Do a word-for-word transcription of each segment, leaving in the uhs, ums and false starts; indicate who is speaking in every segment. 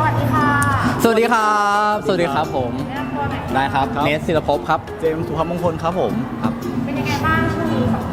Speaker 1: วัสดีค่ะ
Speaker 2: สวัสดีครับสวัสดีครับผม
Speaker 1: แนะนำตัวหน่อย
Speaker 2: ได้ครับเนสศิลภพครับ
Speaker 3: เจมส์สุภาพมงคลครับผมครับ
Speaker 1: เป็นยังไงบ้างช่วงนี้สองคน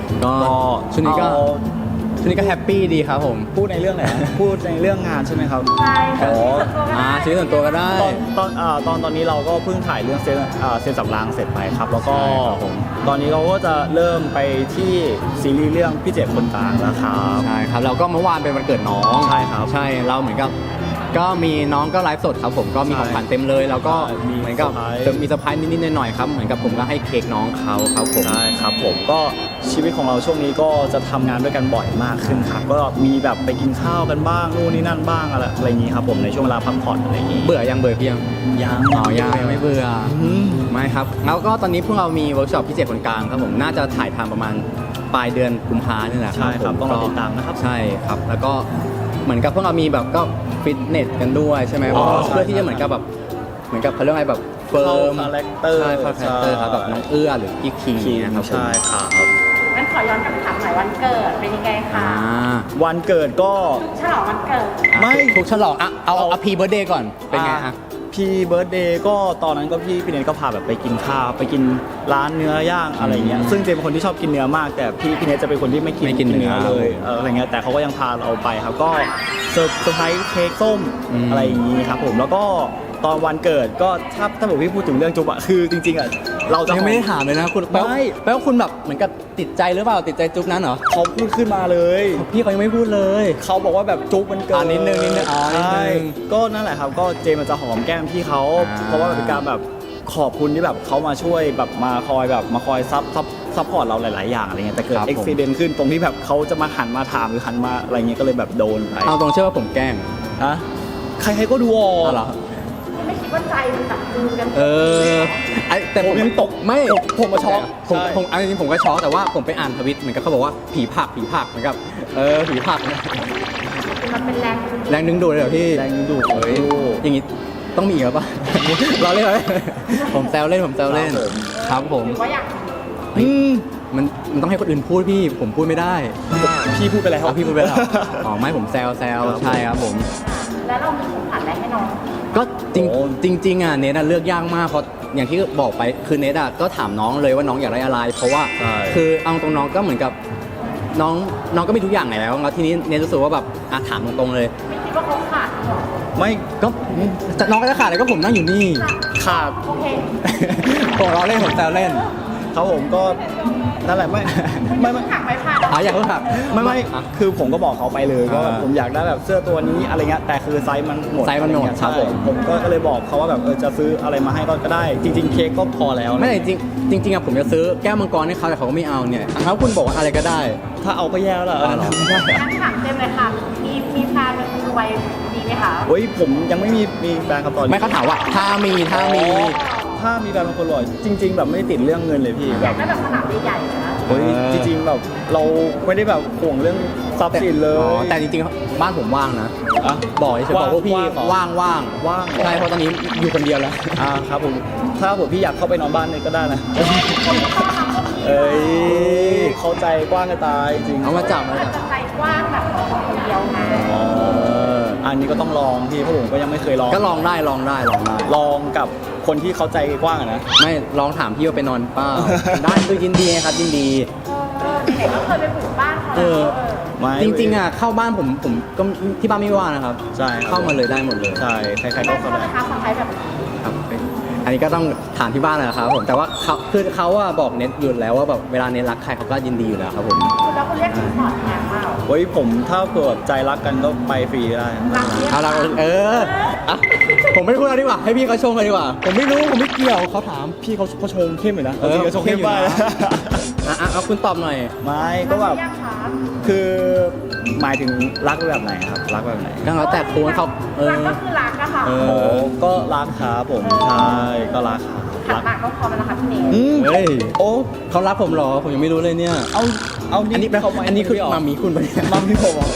Speaker 2: ก็ช่วงนี้ก็ช่วงนี้ก็แฮปปี้ดีครับผม
Speaker 3: พูดในเรื่องไหนพูดในเรื่องงานใช่ไหมครับ
Speaker 1: ใช่ค่ะ
Speaker 2: อ่าชีวิตส่วนตัวก็ได้
Speaker 3: ตอนตอนอ่าตอนตอนนี้เราก็เพิ่งถ่ายเรื่องเซนอ่าเซนสำรางเสร็จไปครับแล้วก็ตอนนี้เราก็จะเริ่มไปที่ซีรีส์เรื่องพี่เจ็ดคนกลางแล้วครับ
Speaker 2: ใช่ครับแล้วก็เมื่อวานเป็นวันเกิดน้อง
Speaker 3: ใช่ครับ
Speaker 2: ใช่เราเหมือนกับก็มีน้องก็ไลฟ์สดครับผมก็มีของขวัญเต็มเลยแล้วก็เหมือนกับจะมีเซอร์ไพรส์นิดๆหน่อยๆครับเหมือนกับผมก็ให้เค้กน้องเขาครับผม
Speaker 3: ใช่ครับผมก็ชีวิตของเราช่วงนี้ก็จะทำงานด้วยกันบ่อยมากขึ้นครับก็มีแบบไปกินข้าวกันบ้างนู่นนี่นั่นบ้างอะไรอะไรอย่างนี้ครับผมในช่วงเวลาพักผ่อนอะไรอย่างนี้
Speaker 2: เบื่อยังเบื่อเพียง
Speaker 3: ยัง
Speaker 2: อ๋อยังไม่เบื่อไม่ครับแล้วก็ตอนนี้พวกเรามีเวิร์กช็อปพิเศษคนกลางครับผมน่าจะถ่ายทำประมาณปลายเดือนกุมภาเนี่ยแหละ
Speaker 3: ใช่ครับต้องรอติดตามนะครับ
Speaker 2: ใช่ครับแล้วก็เหมือนกับพวกเรามีแบบก็ฟิตเนสกันด้วยใช่ไหมเพื่อที่จะเหมือนกับแบบเหมือนกับเขาเรียกอะไรแบบเฟิร์ม
Speaker 3: คาแรคเตอร์
Speaker 2: ใช่คาแรคเตอร์ครับแบบน้องเอื้อหรือพี่คิงนะครับ
Speaker 3: ใช่ครับ
Speaker 1: งั้นขอย้อนกลับไปถามหน่อยวันเกิดเป็นยังไงคะ
Speaker 3: วันเกิดก็
Speaker 1: ฉลองวันเกิด
Speaker 2: ไม่ถูกฉลองอ่ะเอาเอาพีเบิร์ดเดย์ก่อนเป็นไงฮะ
Speaker 3: พี่เบิร์ดเดย์ก็ตอนนั้นก็พี่พี่เนทก็พาแบบไปกินข้าวไปกินร้านเนื้อย่างอะไรเงี้ยซึ่งเจมเป็นคนที่ชอบกินเนื้อมากแต่พี่พี่เนทจะเป็นคนที่ไม่กิน
Speaker 2: กินเนื้อ
Speaker 3: เลยอะไรเงี้ยแต่เขาก็ยังพาเราไปครับก็เซอร์ไพรส์เค้กส้มอะไรอย่างงี้ครับผมแล้วก็ตอนวันเกิดก็ถ้าถ้าผมพี่พูดถึงเรื่องจุ๊บอะคือจริงๆอะเราจะ
Speaker 2: ยังไม่ได้ถามเลยนะคุณแปลว่าแปลว่าคุณแบบเหมือนกับติดใจหรือเปล่าติดใจจุ๊บนั้นเหรอ
Speaker 3: เขาพูดขึ้นมาเลย
Speaker 2: พี่เขายังไม่พูดเลย
Speaker 3: เขาบอกว่าแบบจุ๊บมันเกิด
Speaker 2: นิดนึงนิดนึงอ๋อ
Speaker 3: ใช่ก็นั่นแหละครับก็เจมันจะหอมแก้มพี่เขาเพราะว่าเป็นการแบบขอบคุณที่แบบเขามาช่วยแบบมาคอยแบบมาคอยซับซับซัพพอร์ตเราหลายๆอย่างอะไรเงี้ยแต่เกิดอุบิเหตุขึ้นตรงที่แบบเขาจะมาหันมาถามหรือหันมาอะไรเงี้ยก็เลยแบบโดนไป
Speaker 2: เอาตรงเชื่อว่าผมแกล้ง
Speaker 3: ฮะใครๆก็ดูออก
Speaker 2: เหรอ
Speaker 1: ไม่คิดว่าใจมันตัดจูนกัน
Speaker 2: เออไอแต่ผม
Speaker 3: ยังตก
Speaker 2: ไม่
Speaker 3: ผมมาช็อก
Speaker 2: ผมผมอันนี้ผมก็ช็อกแต่ว่าผมไปอ่านทวิตเหมือนกับเขาบอกว่าผีผักผีผักเหมือนกับเออผีผัก
Speaker 1: มันเป็นแรง
Speaker 2: แรงดึงดูดเลยเหรอพี่
Speaker 3: แรงดึงดูด
Speaker 2: เฮ้ยอย่างงี้ต้องมีอีกหรือเปล่าเราเล่นเลยผมแซวเล่นผมแซวเล่นครับผม
Speaker 1: ว่าอยาก
Speaker 2: อืมมันมันต้องให้คนอื่นพูดพี่ผมพูดไม่ได้
Speaker 3: พี่พูดไปแล้ว
Speaker 2: พี่พูดไปแล้วอ๋อไม่ผมแซวแซวใช่ครับผม
Speaker 1: แล้วเรามีของขวัญอะไรให้น้อง
Speaker 2: ก็จริงจริงอ่ะเนทเลือกยากมากเพราะอย่างที่บอกไปคือเนทอ่ะก็ถามน้องเลยว่าน้องอยากได้อะไรเพราะว่าคือเอาตรงน้องก็เหมือนกับน้องน้องก็มีทุกอย่างไงแล้วแล้วทีนี้เนทรู้สึกว่าแบบอ่ะถามตรงๆเลย
Speaker 1: ไม่คิดว่าเขาขาดหรอ
Speaker 2: ไม่ก็น้องก็จะขาดเลยก็ผมนั่งอยู่นี่
Speaker 3: ขาด
Speaker 1: โอเค
Speaker 2: ผมล้อเล่นผมแซวเล่น
Speaker 3: ครับผมก็นั่นแหละไม่ไม่ไม่
Speaker 1: หักไม่ผ่าน
Speaker 2: อ๋ออยากเพิ่งหัก
Speaker 3: ไม่ไม่คือผมก็บอกเขาไปเลยก็ผมอยากได้แบบเสื้อตัวนี้อะไรเงี้ยแต่คือไซส์มันหมด
Speaker 2: ไซส์มันหมดครับผม
Speaker 3: ผมก็เลยบอกเขาว่าแบบเออจะซื้ออะไรมาให้ก็ได้จริงๆเค้กก็พอแล้ว
Speaker 2: ไม่จริงจริงจริงอะผมจะซื้อแก้วมังกรให้เขาแต่เขาก็ไม่เอาเนี่ยถ้าคุณบอกว่าอะไรก็ได้
Speaker 3: ถ้าเอาก็แย่แล้ว
Speaker 2: เหรอ
Speaker 1: งั้นถามเต็มเลยค่ะมีมีแฟนเป็นคนรวยดีไหมคะ
Speaker 3: เฮ้ยผมยังไม่มีมีแฟนครับตอนนี้
Speaker 2: ไม่เขาถามว่าถ้ามีถ้ามี
Speaker 3: ถ้ามีแฟนเป็นคนรวยจริง ๆ แบบไม่ติดเรื่องเงินเลยพี่แบบ
Speaker 1: ไม่แบบขนาดใหญ่ๆนะ
Speaker 3: เฮ้ยจริงๆแบบเราไม่ได้แบบห่วงเรื่องทรัพย์สินเลย
Speaker 2: แต่จริงๆบ้านผมว่างนะบอกเฉยบอกว่าพี่ว่างว่าง
Speaker 3: ว่าง
Speaker 2: ใช่เพราะตอนนี้อยู่คนเดียวแล้ว
Speaker 3: อ่าครับผมถ้าผมพี่อยากเข้าไปนอนบ้านเลยก็ได้นะเอ้ยเข้าใจกว้างกันตายจริง
Speaker 2: เอามาจับมาจับ
Speaker 1: ใจกว้างแบบคนเดียวไง
Speaker 3: อ๋ออันนี้ก็ต้องลองพี่เพราะผมก็ยังไม่เคยลอง
Speaker 2: ก็ลองได้ลองได้ลองได้
Speaker 3: ลองกับคนที่เข้าใจกว้างนะ
Speaker 2: ไม่ลองถามพี่ว่าไปนอนเปล่าได้คือยินดีครับยินดี
Speaker 1: เด็กก็เคยไปปลูกบ้านเขา
Speaker 2: จริงๆอ่ะเข้าบ้านผมผมก็ที่บ้านไม่ว่านะครับ
Speaker 3: ใช่
Speaker 2: เข้ามาเลยได้หมดเลย
Speaker 3: ใช่ใครๆก็เข้าได้
Speaker 1: ครับคนไทยแบบ
Speaker 2: ครับอันนี้ก็ต้องถามที่บ้านเลยครับผมแต่ว่าเขาคือเขาอะบอกเน็ตอยู่แล้วว่าแบบเวลาเน็ตรักใครเขาก็ยินดีอยู่แล้วครับผม
Speaker 1: แล้วคุณเรียกสินสอดแพงเปล่า
Speaker 3: เฮ้ยผมถ้าเกิดใจรักกันก็ไปฟรีได้
Speaker 2: เอาละเออผมไม่พูดแล้วดีกว่าให้พี่เขาชงเลยดีกว่าผมไม่รู้ผมไม่เกี่ยวเขาถาม
Speaker 3: พี่เขาเขาชงเข้มเลยนะ
Speaker 2: เออ
Speaker 3: เขาชงเข้มไป
Speaker 2: อ่ะเอาคุณตอบหน่อย
Speaker 3: ไม่ก็แบบคือหมายถึงรักแบบไหนครับรักแบบไหน
Speaker 2: ก็แล้วแต่คุณเขา
Speaker 1: เออก็คือรักอะค่ะ
Speaker 3: โอ้ก็รักครับผมใช่ก็รักครับ
Speaker 1: ขัดปากก็พอมันนะคะพี่เน
Speaker 2: ยเฮ้ยโอ้เขารักผมหรอผมยังไม่รู้เลยเนี่ย
Speaker 3: เอาเอา
Speaker 2: อันนี้เป็นเขาอันนี้คือมามีคุณไป
Speaker 3: มามีผม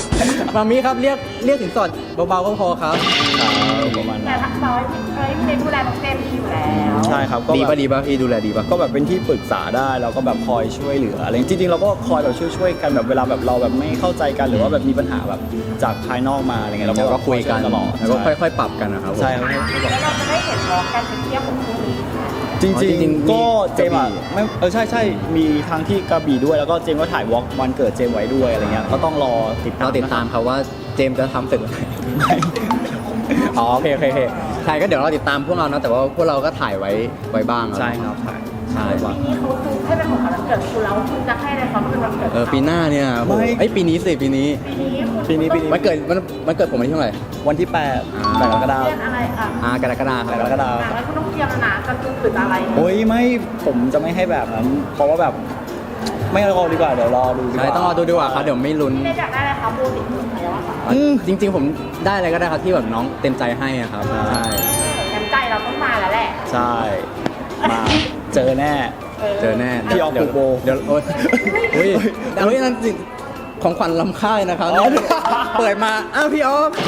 Speaker 2: มามีครับเรียกเรียกสินสอดเบาๆก็พอครับ
Speaker 3: ประมาณ
Speaker 1: แต่
Speaker 3: นั้น
Speaker 1: ถ้าน้อยเอ้ยพี่เนทดูแลน้องเจมส์ดีอยู่แล้ว
Speaker 3: ใช่ครับก็
Speaker 2: ดี
Speaker 3: แบบ
Speaker 2: ป่ะดีป่ะพี่ดูแลดีป่ะ
Speaker 3: ก็แบบเป็นที่ปรึกษาได้แล้วก็แบบคอยช่วยเหลืออะไรจริงๆเราก็คอยแบบช่วยช่วยๆกันแบบเวลาแบบเราแบบไม่เข้าใจกันหรือว่าแบบมีปัญหาแบบจากภายนอกมาอะไรเงี้ยเรา
Speaker 2: แล้วก็คุยกัน
Speaker 3: ตลอด
Speaker 2: แล้วก็ค่อยๆ ปรับกันนะครับผม
Speaker 3: ใช่ครับ
Speaker 1: แล้วเราจะได้เห็นน้องกันไปเที่ยวของคู่นี้ค่ะ
Speaker 3: จริง
Speaker 2: อ๋อจริง
Speaker 3: ๆ
Speaker 2: ๆ
Speaker 3: ก็เจมส์อะ
Speaker 2: กระบี่
Speaker 3: ไม่เออใช่ใช่มีทางที่กระบี่ด้วยแล้วก็เจมส์ก็ถ่ายวอล์กวันเกิดเจมส์ไว้ด้วยอะไรเงี้ยก็ต้องรอติดตาม
Speaker 2: เราติดตาม
Speaker 3: นะ
Speaker 2: ครับว่าเจมส์จะทำเสร็จเมื่อไหร่
Speaker 3: ไม่
Speaker 2: อ๋อโอเคโอเคโอเคใช่ก็เดี๋ยวเราติดตามพวกเรานะแต่ว่าพวกเราก็ถ่ายไว้ไว้บ้าง
Speaker 3: ใช่ครับถ่าย
Speaker 2: ใช่
Speaker 3: ว่า
Speaker 1: ปีนี้เขาคือให้เป็นของขวัญวันเกิดคุณแล้วคุณจะให้อะไรเขาเป็นวันเกิด
Speaker 2: เออปีหน้าเนี่ยโอ้โห
Speaker 3: ไม่
Speaker 2: เอ้ยปีนี้สิปีนี้
Speaker 1: ปีนี้คุณ
Speaker 3: ปีนี้ปีนี้
Speaker 2: มันเกิดมันมันเกิดผมวันที่เท่าไหร่
Speaker 3: วันที่แปด
Speaker 2: อ่า
Speaker 3: แปดกรกฎาค
Speaker 1: เรี
Speaker 3: ม
Speaker 1: ยนอะไรอ่ะ
Speaker 2: อ่ากรกฎาคม
Speaker 3: กรกฎาคม
Speaker 1: อ่ะแล้วคุณต้องเตรียมแล้วนะจะคือคืออะไร
Speaker 3: โอ้ยไม่ผมจะไม่ให้แบบนั้นเพราะว่าแบบไม่รอดีกว่าเดี๋ยวรอดูดีก
Speaker 2: ใช่
Speaker 3: ว่า
Speaker 2: ต้องรอดูดีกว่าครับเดี๋ยวไม่ลุ้น
Speaker 1: พี่เนทอยากได้อะไรคะโบติดมือใครวะคะ
Speaker 2: อืมจริง ๆ ผมได้อะไรก็ได้ครับที่แบบน้องเต็มใจให้อะครับใช่
Speaker 1: น้ำใจเราต้องมาแล้วแหละ
Speaker 3: ใช่มาเจอแน่
Speaker 2: เจอแน่
Speaker 3: พี่ออฟ
Speaker 2: เดี๋ยว
Speaker 3: ผูกโบ
Speaker 2: เดี๋ยวโอ้ยเฮ้ยเฮ้ยนั่นสิของขวัญล้ำค่าเลยนะครับ
Speaker 3: อ๋อ
Speaker 2: เปิดมาอ้าวพี่ออฟ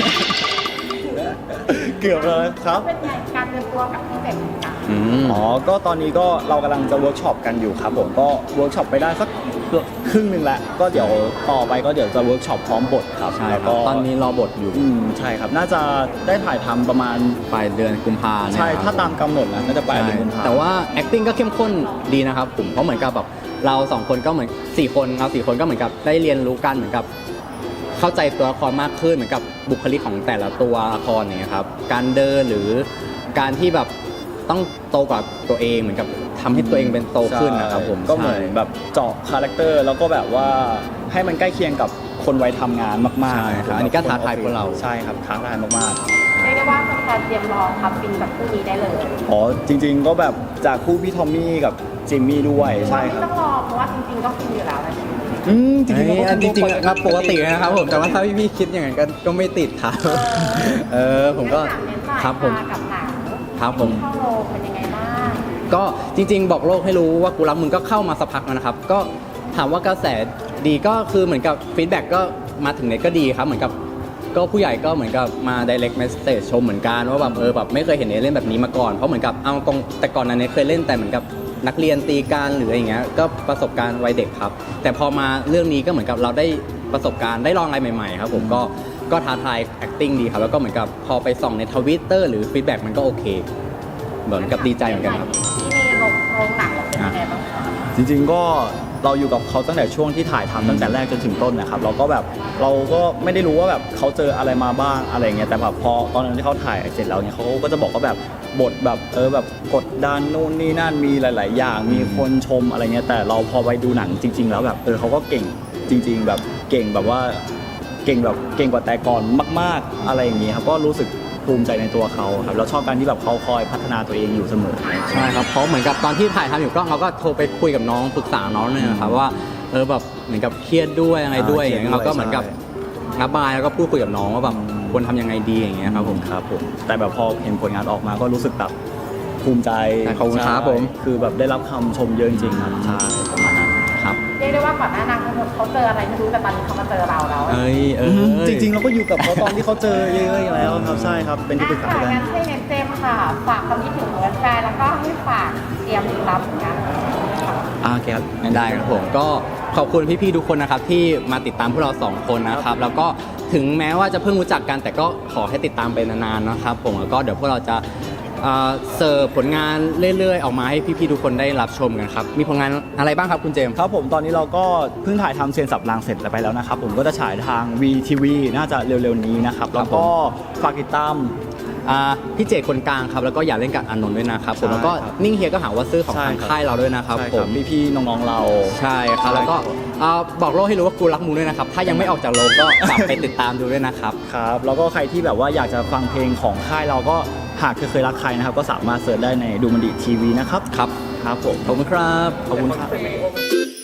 Speaker 3: เกือบเลยครับ
Speaker 1: เป็นไงการเตรียมตัวกับพี่เต็มกัน
Speaker 2: อืม
Speaker 3: อ๋อ ก็ตอนนี้ก็เรากำลังจะเวิร์กช็อปกันอยู่ครับผมก็เวิร์กช็อปไปได้สักครึ่งหนึ่งแล้วก็เดี๋ยวต่อไปก็เดี๋ยวจะเวิร์กช็อปพร้อมบทครับ
Speaker 2: ใช่
Speaker 3: แล้ว
Speaker 2: ครั
Speaker 3: ก็
Speaker 2: บตอนนี้รอบทอยู่
Speaker 3: อืมใช่ครับ น่าจะได้ถ่ายทำประมาณ
Speaker 2: ปลายเดือนกุมภาเนี่ย
Speaker 3: ใช่
Speaker 2: ครับ
Speaker 3: ถ้าตามกำหนดนะน่าจะปลายเดือนกุมภา
Speaker 2: แต่ว่า acting ก็เข้มข้นดีนะครับผมเพราะเหมือนกับแบบเราสองคนก็เหมือนสี่คนเราสี่คนก็เหมือนกับได้เรียนรู้กันเหมือนกับเข้าใจตัวละครมากขึ้นเหมือนกับบุคลิกของแต่ละตัวละครอย่างเงี้ยครับการเดินหรือการที่แบบต้องโตกว่าตัวเองเหมือนกับทำให้ตัวเองเป็นโตขึ้นนะครับผม
Speaker 3: ก็เหมือน
Speaker 2: ใช่
Speaker 3: แบบเจาะคาแรคเตอร์แล้วก็แบบว่าให้มันใกล้เคียงกับคนวัยทำงานมาก
Speaker 2: ใช่
Speaker 3: ๆ
Speaker 2: ครับอันนี้ก็ท้าทายพวกเรา
Speaker 3: ใช่ครับท้าทายมากๆ
Speaker 1: เรียกได้ว่าเป็นการเตรียมรอทำฟินกับคู่นี้ได้เลย
Speaker 3: อ๋อจริงๆก็แบบจากคู่พี่ทอมมี่กับจิมมี่ด้วยใช่ค
Speaker 1: ไม่
Speaker 3: รับ
Speaker 1: ต้องรอเพราะว่าจริงๆก็ฟินอยู่แล้วนะ
Speaker 3: อืมจ
Speaker 2: จ
Speaker 3: ริงๆ
Speaker 2: ริง
Speaker 3: เราก็
Speaker 2: จริงๆครับปกติเลยนะครับผมแต่ว่าถ้าพี่ๆคิดอย่างนั้นก็ก็ไม่ติดครับเออผมก็ครับผม
Speaker 1: กับหนัง
Speaker 2: ครับผม
Speaker 1: เข้าโรงเป็นยังไงบ้าง
Speaker 2: ก็จริงๆ บอกโลกให้รู้ว่ากูรักมึงก็เข้ามาสักพักแล้วนะครับ ก็ถามว่ากระแสดีก็คือเหมือนกับฟีดแบ็กก็มาถึงเน็ตก็ดีครับ เหมือนกับก็ผู้ใหญ่ก็เหมือนกับมา direct message ชมเหมือนกันว่าแบบเออแบบไม่เคยเห็นเน็ตเล่นแบบนี้มาก่อนเพราะเหมือนกับเอาตรงแต่ก่อนนั้นเน็ตเคยเล่นแต่เหมือนกับนักเรียนตีกันหรืออะไรอย่างเงี้ยก็ประสบการณ์วัยเด็กครับ แต่พอมาเรื่องนี้ก็เหมือนกับเราได้ประสบการณ์ได้ลองอะไรใหม่ๆครับผมก็ก็ท้าทาย acting ดีครับแล้วก็เหมือนกับพอไปส่องใน Twitter หรือฟีดแบ็กมันก็โอเคเหมือนกับดีใจเหมือนกันครับ
Speaker 1: ที่มีโรงโรงหนังเราเป็นยังไงบ้างคะ
Speaker 3: จริงๆก็เราอยู่กับเขาตั้งแต่ช่วงที่ถ่ายทำตั้งแต่แรกจนถึงต้นนะครับเราก็แบบเราก็ไม่ได้รู้ว่าแบบเขาเจออะไรมาบ้างอะไรเงี้ยแต่แบบพอตอนนั้นที่เขาถ่ายเสร็จแล้วเนี่ยเขาก็จะบอกว่าแบบบทแบบเออแบบกดดันนู่นนี่นั่นมีหลาย ๆ อย่างมีคนชมอะไรเงี้ยแต่เราพอไปดูหนังจริง ๆ แล้วแบบเออเขาก็เก่งจริง ๆ แบบเก่งแบบว่าเก่งแบบเก่งกว่าแต่ก่อนมาก ๆอะไรอย่างเงี้ยครับก็รู้สึกภูมิใจในตัวเขาครับแล้วชอบการที่แบบเขาคอยพัฒนาตัวเองอยู่เสมอ
Speaker 2: ใช่ครับเพราะเหมือนกับตอนที่ถ่ายทำอยู่ก็เราก็โทรไปคุยกับน้องปรึกษาน้องเนี่ยนะครับว่าเออแบบเหมือนกับเครียดด้วยอะไรด้วย
Speaker 3: อ่า
Speaker 2: อย่างเงี้ยเราก็เหมือนกับระบายแล้วก็พูดคุยกับน้องว่าแบบควรทำยังไงดีอย่างเงี้ยครับผม
Speaker 3: ครับผมแต่แบบพอเห็นผลงานออกมาก็รู้สึกแบบภูมิใจ
Speaker 2: ใช่ขอบคุณครับ
Speaker 3: ใช่
Speaker 2: ผม
Speaker 3: คือแบบได้รับคำชมเยอะจริงๆครับใช่ประมาณนั้น
Speaker 2: ครับ
Speaker 1: เรียกได้ว่าก่อนหน้านางทั้งหมดเขาเจออะไรไม่รู้แต่ตอนนี้เขามาเจอเราแล้ว
Speaker 2: เอ้ยเออ
Speaker 3: จริงๆเราก็อยู่กับเขาตอนที่เขาเจอเยอะๆอยู่แล้วครับใช่ครับเป็นที่ปรึกษา
Speaker 1: อ่ะ
Speaker 3: กัน
Speaker 1: งั้นให้เน็ตเจมส์ค่ะ ฝากความคิดถึงแฟนๆแล้วก็ให้ฝากเตรียมรับผลงานค่ะ
Speaker 3: อ่าโอเคครับ
Speaker 2: ได้ครับผมก็ขอบคุณพี่ๆทุกคนนะครับที่มาติดตามพวกเราสองคนนะครับแล้วก็ถึงแม้ว่าจะเพิ่งรู้จักกัน แต่ก็ขอให้ติดตามไปนานๆนะครับผมแล้วก็เดี๋ยวพวกเราจะเอ่อเสิร์ฟผลงานเรื่อยๆออกมาให้พี่ๆทุกคนได้รับชมกันครับมีผลงานอะไรบ้างครับคุณเจมส์
Speaker 3: ครับผมตอนนี้เราก็เพิ่งถ่ายทำเซียนสับรางเสร็จไปแล้วนะครับผมก็จะฉายทาง วี ที วี น่าจะเร็วๆนี้นะครับแล้วก็ฝากติดตาม
Speaker 2: อ่าพี่เจตคนกลางครับแล้วก็อย่าเล่นกับอานนท์ด้วยนะครับผม
Speaker 3: ใช่
Speaker 2: แล้วก็
Speaker 3: ครับ
Speaker 2: นิ่งเฮียก็หาว่าซื้อของ
Speaker 3: ใช่
Speaker 2: ทาง
Speaker 3: ครับ
Speaker 2: ค่ายเราด้วยนะครับ
Speaker 3: ใช่
Speaker 2: ผ
Speaker 3: ครับ
Speaker 2: ม
Speaker 3: พี่ๆน้องๆเรา
Speaker 2: ใช่ครับแล้วก็อ่าบอกโลกให้รู้ว่ากูรักมึงด้วยนะครับถ้ายังไม่ออกจากโรงก็กลับไปติดตามดูด้วยนะครับ
Speaker 3: ครับแล้วก็ใครที่แบบว่าอยากจะฟังเพลงของค่ายเราก็หากเคยรักใครนะครับก็สามารถเสิร์ชได้ในดูมันดีทีวีนะครับ
Speaker 2: ครับ
Speaker 3: ครับผม
Speaker 2: ขอบคุณครับ
Speaker 3: ขอบคุณครับ